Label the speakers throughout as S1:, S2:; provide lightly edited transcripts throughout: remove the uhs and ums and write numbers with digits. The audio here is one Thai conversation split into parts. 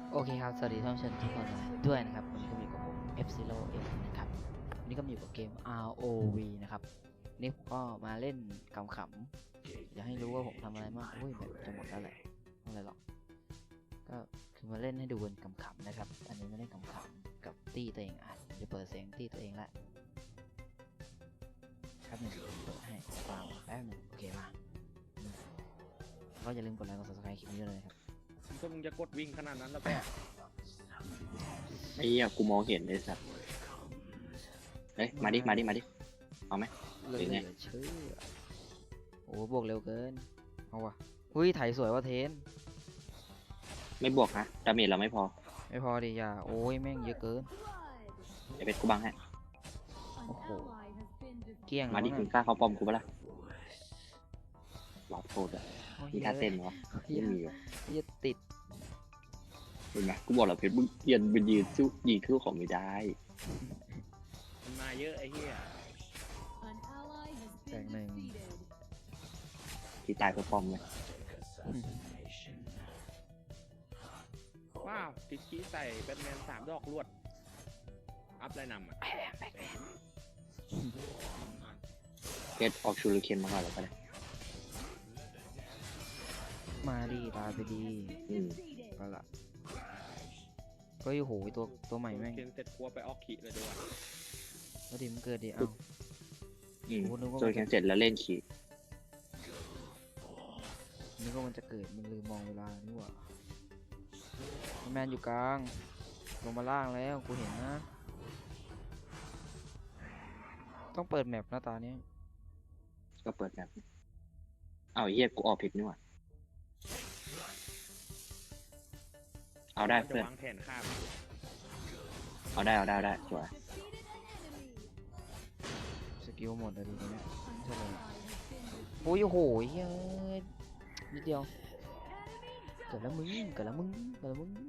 S1: โอเคครับ สวัสดีท่านผู้ชมทุกคนด้วยนะครับวันนี้ก็อยู่กับผม F0 M นะครับวันนี้ก็มาอยู่กับเกม ROV นะครับนี่ผมก็มาเล่นขำๆอยากให้รู้ว่าผมทำอะไรบ้างอุ้ยแบบจะหมดแล้วแหละไม่อะไรหรอกก็คือมาเล่นให้ดูกันขำๆนะครับอันนี้มาเล่นขำๆกับตี้ตัวเองจะเปิดเสียงตี้ตัวเองละครับหนึ่งเปิดให้ฟังแป๊บหนึ่งโอเคมาก็อย่าลืมกดไลค์กด subscribe คลิปนี้ด้วยนะครับ
S2: ก็มึงจะกดวิ่งขนาดนั้นแล้วก็
S3: ไอ้เหี้ยกูมองเห็นไอ้สัตว์เฮ้ยมาดิเอาไหม
S1: เหลื
S3: หรือไง
S1: อเชื่อโอ้บวกเร็วเกินเอาวะหุ้ยไถสวยว่าเทน
S3: ไม่บวกนะดาเมจเราไม่พอ
S1: ไม่พอดิอย่าโอ้ยแม่งเยอะเกิน
S3: ไอ้เป็ดกูบังให้
S1: โอ้โหเกลี้ยง
S3: มาดิ
S1: แล้ว
S3: มึง
S1: นะ
S3: กล้าเข้าป้อมกูปะล่ะหลอดโทษอ่ะ
S1: โอ้ย
S3: มีท่าเต้นเหรอไม่มีวะ
S1: เหี้ยติด
S3: เห็นไหมกูบอกแล้วเพชรมึงเปลี่ยนเป็นยืนสู้ยิงสู้ของไม่ได้
S2: มันมาเยอะไอ้เหี้ย
S1: แตกหนึ่ง
S3: ที่ตายเพื่อป้อมเลย
S2: ว้าวติดขี้ใส่แบทแมน3 ดอกรวด อัพไรนำอ่ะ
S3: เพชรออกชูริเคนมาก่อนแล้วก็ได้
S1: มาดิตายไปดี
S3: อืม
S1: ก็ละก็อยู่โหยตัวใหม่แม่ง
S2: เคนเสร็จกลัวไปออกขีเลยดีกว่า
S1: แล้วดิมันเกิดดิเอ้า
S3: อืม
S1: โอ้นึกว่า
S3: โจยแคนเสร็จแล้วเล่นขี่
S1: นึกว่ามันจะเกิดมันลืมมองเวลานี่หว่าแมนอยู่กลางลงมาล่างแล้วกูเห็นนะต้องเปิดแมปหน้าตาเนี้ย
S3: ก็เปิดแบบเอาไอ้เหี้ยกูออกผิดนี่หว่าเอาได้
S2: จะ
S3: เพื่อน
S2: วางแผนฆ่า
S3: เอาได้สวย
S1: สกิลหมดเลยดีเนี่ยใช่เลยโอ้ยโอ้โหเฮ้ยนิดเดียวเกิดแล้วมึงเกิดแล้วมึงเกิดแล้วมึง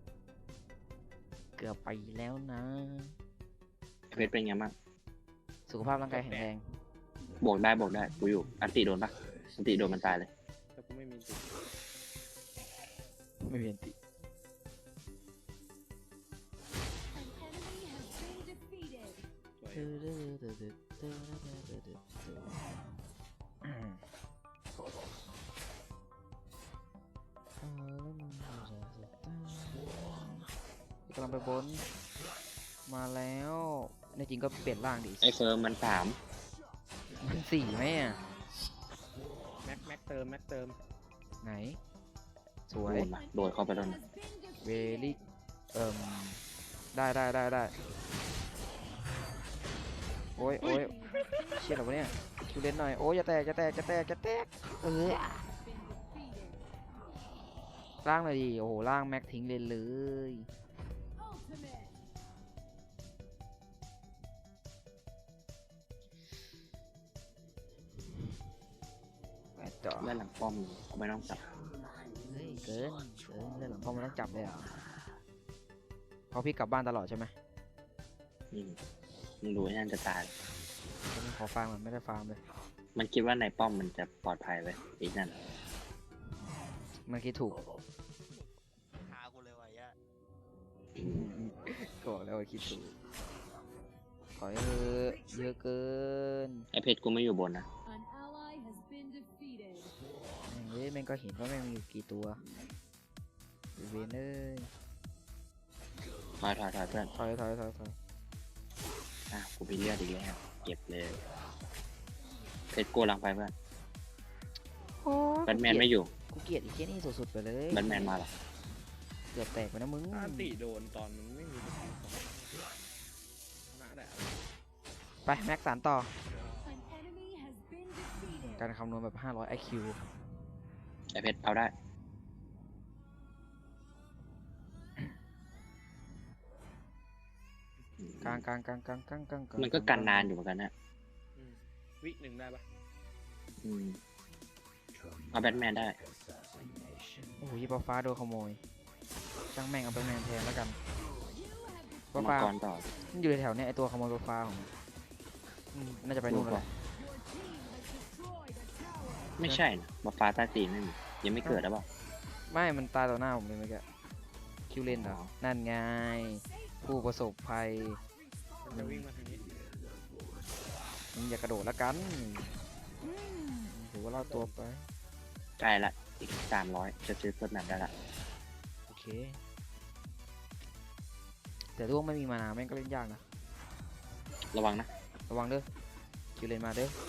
S1: เกือบไปแล้วนะ
S3: ไอ้เพชรเป็นไงบ้าง
S1: สุขภาพร่างกายแข็งแรง
S3: บวกได้กูอยู่อันติโดนปะอันติโดนมันตายเลย
S2: แต่กูไม่มีติด
S1: ไม่มีอันติ
S2: สวย
S1: กำลังไปบนมาแล้วในจริงก็เปลี่ยนร่างดิ
S3: ไอ้เฟิร์มมัน3
S1: มันสี่ไหมอ่ะ
S2: แม็กเติม
S1: ไหน สวย
S3: โดดเข้าไปแล้วนะ
S1: เวลี่ได้โอ้ยเชี่ยเหรอวะเนี่ยคิวเล่นหน่อยโอ้ยจะแตกเออล่างเลยดิโอ้โหล่างแม็กทิ้งเลยไปต่อ
S3: เล่นหลังป้อมกูไม่ต้องจับ
S1: เฮ้ยเกินเรื่องหลังพ่อมันต้องจับเลยเหรอเพราะพี่กลับบ้านตลอดใช่ไหม
S3: อืมมึงดูไอ้นั่นจะตาย
S1: ก็ไม่ขอฟาร์มมันไม่ได้ฟาร์มเลย
S3: มันคิดว่าในป้อมมันจะปลอดภัยไว้อีกนั่น
S1: มันคิดถูก
S4: หากูเลยวะยะ
S1: ก็บอกแล้วว่าคิดถูกขอให้เถอะเยอะเกิน
S3: ไอ้เพชรกูไม่อยู่บนนะ
S1: เฮ้ยแม่งก็เห็นว่าแม่งมีอยู่กี่ตัวเวนเอ้ย
S3: ถอยเพื่อน
S1: ถอย
S3: อ่ะกูไปเลือดอีกแล้วเก็บเลยเพชรกูลังไปเพื่อน
S1: โอ้
S3: แบทแมนไม่อยู่
S1: กูเกลียดอีกแค่นี้สุดๆไปเลย
S3: แบทแมนมาหรอ
S1: เกือบแตกไปนะมึง
S2: ถ้าอันติโดนตอนมันไม่มีสกิลของน่าได้อะไร
S1: ไปแม็กสานต่อการคำนวณแบบ500 IQ
S3: ไอ้เพชรเอาได้
S1: กลาง
S3: มันก็กันนานอยู่เหมือนกันนะ
S2: อืมวิหนึ่งได้ปะ
S3: อืมเอาแบทแมนได้
S1: โอ้โหยี่ปอฟ้าโดนขโมยช่างแม่งเอาแบทแมนแทนแล้วกันปอ
S3: มัง
S1: ฟ้าก
S3: รต่อ
S1: มันอยู่ในแถวเนี้ยไอตัวขโมยปอฟ้าของมันน่าจะไปนู่นแล้วแหละ
S3: ไม่ใช่นะมาฟ้าใต้ตีนไม่มียังไม่เกิดแล้วเปล่า
S1: ไม่มันตายต่อหน้าผมเลยเมื่อกี้คิวเลนเหรอนั่นไงผู้ประสบภัย
S2: มันจะวิ่งมาทางนี้
S1: มึงอย่ากระโดดแล้วกันถือว่าเราตัวไป
S3: ใกล้ละอีก300จะซื้อเพิ่มแบบได้ละ
S1: โอเค แต่ร่วงไม่มีมานาแม่งก็เล่นยากนะ
S3: ระวังนะ
S1: ระวังเด้อคิวเลนมาเด้อ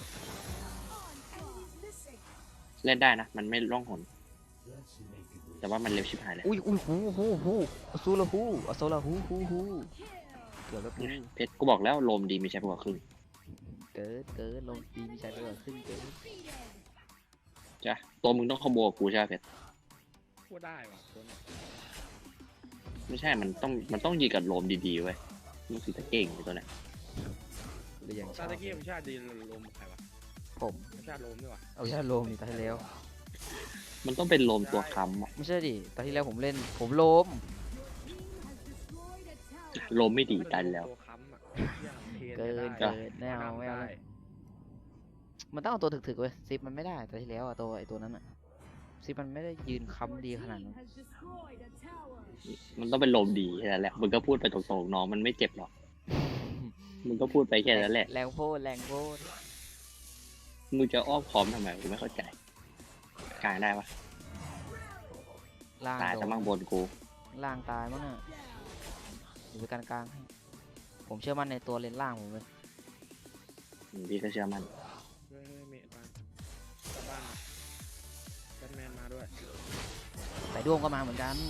S3: เล่นได้นะ มันไม่ร่องหน แต่ว่ามันเร็วชิบหายเลย
S1: อุ้ยหูอสูลาหูอโซลาหูเกือบแล้วกู
S3: เพชรกูบอกแล้วโลมดีมีใช้กว่าครึ่ง
S1: เกิดลงปีมีชัยไปกว่าขึ้นเกิด
S3: จ้ะตัวมึงต้องคอมโบกับกูใช่ไหมเพชร
S2: พูดได้ว่ะตัวเนี้ย
S3: ไม่ใช่ มันต้องยิงกับโลมดีๆเว้ยมึงสิจะเก่งไอ้ตัวเนี้ย
S1: หรืออย่างช
S2: ซา
S1: อบ
S2: ตะกี้มันชาติดีลมใครวะ
S1: ผม
S2: ชาติลมด้วยวะ
S1: เอาชาติโลมนี่ตาที่แล้ว
S3: มันต้องเป็นโลมตัวค้ำอะ
S1: ไม่ใช่ดิตาที่แล้วผมเล่นผมโลม
S3: โลมไม่ดีตันแล้ว
S2: ตัวค้ำอ่ะเท
S1: เกิ
S2: ได้
S1: นไม่เอาไม่เอาเลยมันต้องเอาตัวถึกๆเว้ยซิปมันไม่ได้ตาที่แล้วอะตัวไอตัวนั้นอะซิปมันไม่ได้ยืนค้ำดีขนาดนั้น
S3: มันต้องเป็นโลมดีแค่นั้นแหละมึงก็พูดไปตรงๆน้องมันไม่เจ็บหรอกมึงก็พูดไปแค่นั้นแหละ
S1: แรงโพดแรงโพด
S3: มึงจะอ้อมค้อมทำไมกูไม่เข้าใจกลางได้ปะ
S1: ล่าง
S3: ตาย
S1: โด
S3: แต่
S1: น
S3: มั่งบนกู
S1: ล่างตายมั้งน่ะอยู่ไปกลางๆให้ผมเชื่อมั่นในตัวเลนล่างผมเลย
S3: พี่ก็เชื่อมัน
S2: เฮ้ยเมย์มากลับบ้านมาแบทแมนมาด้วย
S1: แต่ด้วงก็มาเหมือนกัน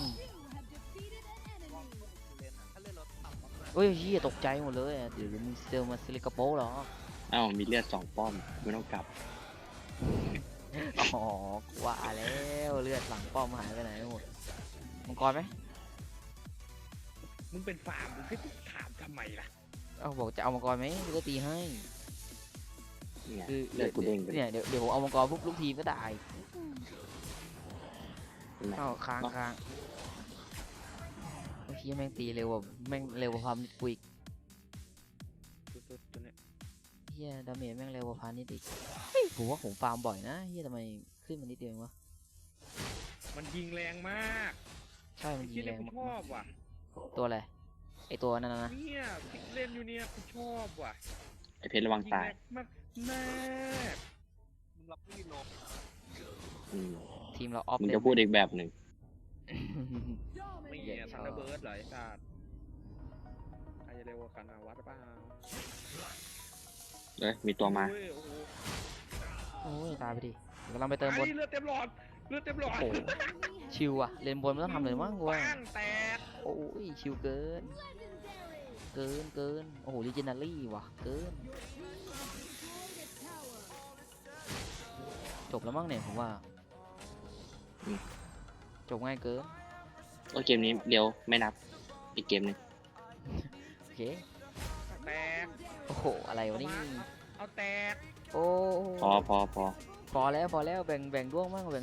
S4: เล่นอะถ้าเล่นรถต่ำมาก
S1: เฮ้ยเฮียตกใจหมดเลยอะเดี๋ยวมึงเซลมาซิลิกาโปเหรอ
S3: เอ้ามีเลือด2ป้อมไม่ต้องกลับ
S1: อ๋อว่าแล้วเลือดหลังป้อมหายไปไหนหมดมังกรไหม
S2: มึงเป็นฟาร์มมึงให้ถามทำไมล่ะ
S1: เอาบอกจะเอามังกรไหมกูก็ตีให้
S3: เนี่ย
S1: คือ
S3: เลือดกูเด้งไป
S1: เนี่ยเดี๋ยวผมเอามังกรปุ๊บลูกทีมก็ได้
S3: เห็นไหม
S1: เอาค้างเมื่อกี้แม่งตีเร็วกว่าแม่งเร็วกว่าความนิดกูอีก
S2: ตัวเนี้ย
S1: เฮียดาเมจแม่งเร็วกว่าพานิดอีกเฮ้ยผมว่าผมฟาร์มบ่อยนะเฮียทำไมขึ้นมานิดเดียวเองวะ
S2: มันยิงแรงมาก
S1: ใช่มันยิ
S2: ที่
S1: งแร
S2: เล่น
S1: ง
S2: กู
S1: มาก
S2: ชอบว่ะ
S1: ตัวอะไรไอตัวนั้นนะ
S2: เนี่ยที่เล่นอยู่เนี่ยกูชอบว่ะ
S3: ไอเพชรระวัง
S2: ยิง
S3: ตาย
S2: แรงมากมาก
S4: มึงรับพี่ลง
S3: อืม
S1: ทีมเราออฟ
S3: มึง
S1: เล
S3: จะพูดอีกแบบหนึ่ง
S2: ไม่เหี้ยทันเดอร์เบิร์ดเหรอไอ้สัตว์ใครจะเร็วกว่ากันอะวัดเปล่า
S3: เอ้ยมีตัวมา
S2: โอ้ยโอ้โห
S1: โอ้ยตายไปดิกำลังไปเติมบน
S2: ไอ้เลือดเต็มหลอดเลือดเต็มหลอด
S1: โอ้โหชิวอะเลนบนไม่ต้องทำเลยมั้งกูว่า
S2: ปังแตก
S1: โอ้ยชิวเกินโอ้โหลีเจนารี่ว่ะเกินจบแล้วมั้งเนี่ยผมว่าจบง่ายเกิน
S3: ก็เกมนี้เดียวไม่นับอีกเกมหนึง
S1: โอเค
S2: แตก
S1: โอ้โหอะไรวะนี่
S2: เอาแตก
S1: โอ้
S3: พอ
S1: พอแล้วแบ่งด้วงมั่งเอา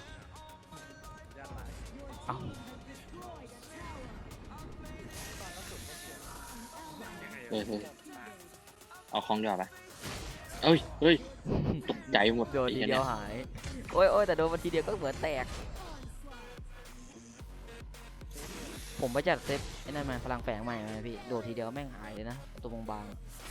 S3: เฮ้ยเอาคล้องดีกว่าปะเฮ้ยตกใจหมด
S1: โดนที
S3: ไอ้
S1: เดี
S3: หี้
S1: ยวหายโอ้ยแต่โดนมาทีเดียวก็เหมือนแตกผมไปจัดเซฟไอ้นั่นมาพลังแฝงใหม่มาพี่โดดทีเดียวแม่งหายเลยนะตัวบาง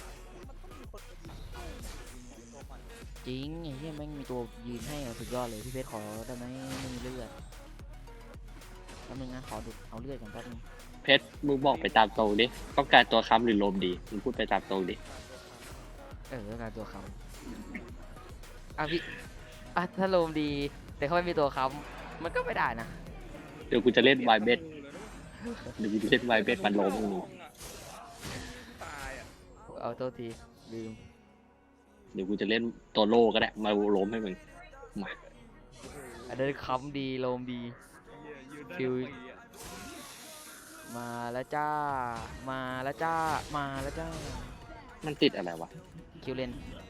S1: ๆจริงไอ้เหี้ยแม่งมีตัวยืนให้อะสุดยอดเลยพี่เพชรขอได้ไหมไม่มีเลือดแป๊บนึงนะขอดูเอาเลือดก่อนแป๊บนึง
S3: เพชรมึงบอกไปตามตรงดิต้องการตัวค้ำหรือโลมดีมึงพูดไปตามตรงดิ
S1: การตัวค้ำพี่ถ้าโลมดีแต่เขาไม่มีตัวค้ำมันก็ไม่ได้นะ
S3: เดี๋ยวกูจะเล่นไวเบสเดี๋ยวกูจะเล่นไวเบสมันโลมมึง
S2: ตายอ่ะ
S1: เอาตัวทีลืม
S3: เดี๋ยวกูจะเล่นตัวโลก็ได้มาโลมให้มึงมา
S1: อันนั้นค้ำดีโลมดี
S2: เหี้ยยืนได้
S1: คิว
S2: ทั้งปีอะ
S1: มาแล้วจ้า มาแล้วจ้า
S3: มันติดอะไรวะ
S1: คิวเลน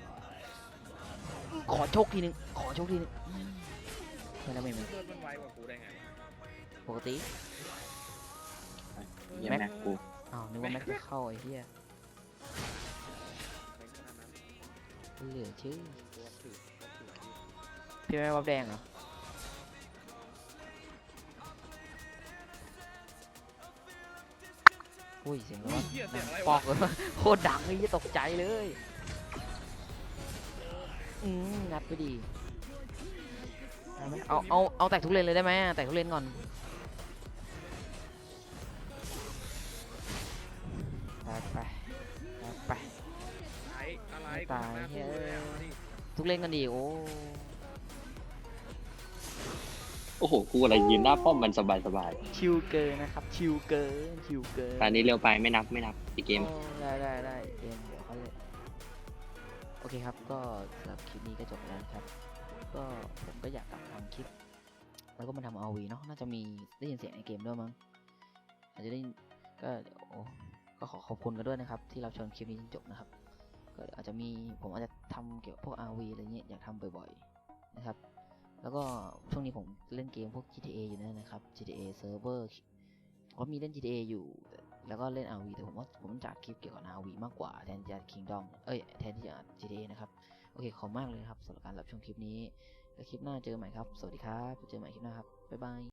S1: ขอโชคทีนึงไม่แล้วไม่
S2: เลือดมันไวกว่ากูได้ไงวะ
S1: ปกติ
S3: เหี้ยังแม็กกู
S1: อ้าวนึกว่าแม็กจะเข้าไอ้เหี้ย
S2: ในขณะนั้น
S1: เหลือชื่อ
S2: ตัวถือตัวถือ
S1: พี่ไม่วับแดงเหรออุ้ยเสียงอะไรวะ
S2: เหี้ยเสียงอะไร
S1: ปอ
S2: วะ
S1: กเลย โคตรดังเลยตกใจเลยงัดไปดีได้ไหมเอาแตกทุกเลนเลยได้ไหมแตกทุกเลนก่อนไปไป
S2: อะไร
S1: ไม่ตาย
S2: กูทำหน้
S1: เฮ้ย
S2: พูดแล้วมาดิ
S1: ทุกเลนกันดีโอ้
S3: โอ้โหกูอะไรยืนหน้าป้อมมันสบายสบาย
S1: ชิวเกินนะครับชิวเกิน
S3: ตอนนี้เร็วไปไม่นับอีกเกม
S1: โอ้ได้เกมเดี๋ยวเขาเลยโอเคครับก็สำหรับคลิปนี้ก็จบแล้วนะครับก็ผมก็อยากกลับทำคลิปแล้วก็มาทำ RV เนาะน่าจะมีได้ยินเสียงในเกมด้วยมั้งอาจจะได้ก็เดี๋ยวก็ขอขอบคุณกันด้วยนะครับที่เราชมคลิปนี้จนจบนะครับก็เดี๋ยวอาจจะมีผมอาจจะทำเกี่ยวกับพวก RV อะไรเงี้ยอยากทำบ่อยๆนะครับแล้วก็ช่วงนี้ผมเล่นเกมพวก GTA อยู่นะครับ GTA Server ก็มีเล่น GTA อยู่แล้วก็เล่น RV แต่ผมว่าผมจัดคลิปเกี่ยวกับ RV มากกว่าแทนที่จะ Kingdom แทนที่จะ GTA นะครับโอเคขอบมากเลยครับสำหรับการรับชมคลิปนี้แล้วคลิปหน้าเจอกันใหม่ครับสวัสดีครับเจอกันใหม่คลิปหน้าครับบ๊ายบาย